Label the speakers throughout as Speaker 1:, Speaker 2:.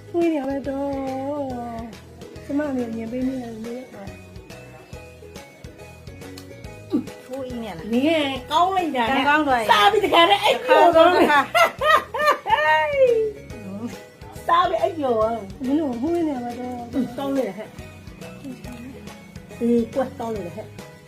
Speaker 1: ဝေးနေရမယ်တော့ကျမမျိုးမြင်ပေးနေတယ်လေ
Speaker 2: ထိုးအင်းရလား
Speaker 3: 你看高了一点，
Speaker 2: ကောင်းတော့
Speaker 3: 傻逼的看着哎
Speaker 2: ခါ
Speaker 3: 呦，
Speaker 2: ကောင်းခါ
Speaker 3: 傻逼哎呦，
Speaker 1: မင်းတို့ဝေးနေရမယ်တော့
Speaker 3: 高了还，乖高了还，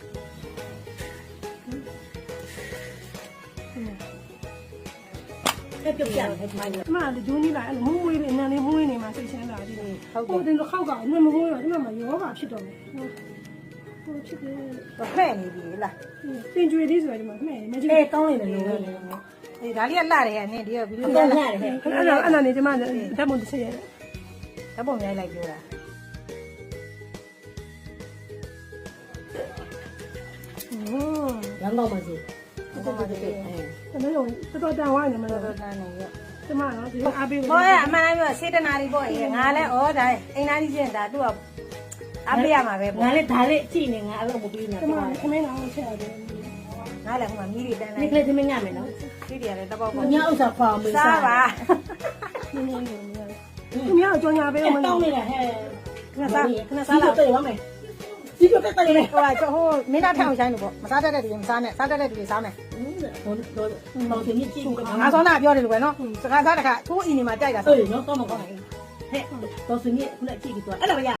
Speaker 3: 还不变还变。
Speaker 1: ကျမလည်းဂျိုးကြီးလာအဲ့လိုမွေးလေးနန်းလေးမွေးနေမှာစိတ်ချမ်းသာကြည့်တယ်
Speaker 2: ဟုတ်တယ်
Speaker 1: ဟိုတင်တော့ခောက်ကမမွေးတော့ကျမမှာယောဂဖြစ်တော့မယ်ဟိုဖြစ်တယ်
Speaker 2: တော့ဖဲ့နေပြီလား
Speaker 1: တင်ကြွေလေးဆိုတော့ဒီမှာမှဲ့မကြည့်
Speaker 3: 哎，高了呢，
Speaker 2: အေးဒါလေးကလှတယ်ဟဲ့နင်ဒီကဗီဒီယို
Speaker 3: 高
Speaker 2: လာ
Speaker 3: 了还，
Speaker 1: အဲ့ဒါနေကျမဓာတ်ပုံတစ်ချက်ရတယ်
Speaker 2: ဓာတ်ပုံရိုက်လိုက်ပြောတာ
Speaker 3: 羊羔嘛是，
Speaker 2: ဟုတ်ပါသေးတယ်
Speaker 1: အဲ့ဒါတော့တော်တော်တန်ဝိုင်းနေမှာ
Speaker 2: တော်
Speaker 1: တော့
Speaker 2: တော်တန်းနေရ
Speaker 1: ကျမတော့ဒီအားပေး
Speaker 2: ဟောအမှန်တိုင်းပြောစေတနာလေးပေါ့အေးငါလဲဩဒါအိမ်သားကြီးချင်းဒါသူကအပေးရမှာပဲပေါ့
Speaker 3: 俺嘞打嘞，今年俺老不比呢
Speaker 1: ကျ。မခမင်းအောင်ချက်ရတယ်
Speaker 2: ငါလည်းဟိုမှာမီးတွေတန်းလို
Speaker 3: 你
Speaker 2: က်
Speaker 3: 可以这么干没呢？
Speaker 2: ဒီတွေကလည်းတပေါက်ပေါ့
Speaker 3: 你要啥花没
Speaker 2: စားပါ
Speaker 1: နင်းနေတယ်သူများကြောင်ညာပေး
Speaker 3: 哎
Speaker 1: အောင်မ
Speaker 3: 高
Speaker 1: လို့
Speaker 3: 了还，
Speaker 2: ခဏစားခဏစား
Speaker 3: 几
Speaker 2: လာ
Speaker 3: 个对完没？几个对对嘞？
Speaker 2: ဟိုကဟိုမင်းသားထအောင်ဆိုင်လို့ပေါ့မစားတတ်တဲ့သူမစားနဲ့စားတတ်တဲ့သူစားမယ်
Speaker 3: 老天你记住个
Speaker 2: ငါစောနာပြောတယ်လို့ပဲနော်စကားစားတခါသူ့အင်းနေမှာကြိုက်တာ
Speaker 3: 对，然后高嘛高嘛，嘿，到时你过来记个多，哎，那个呀。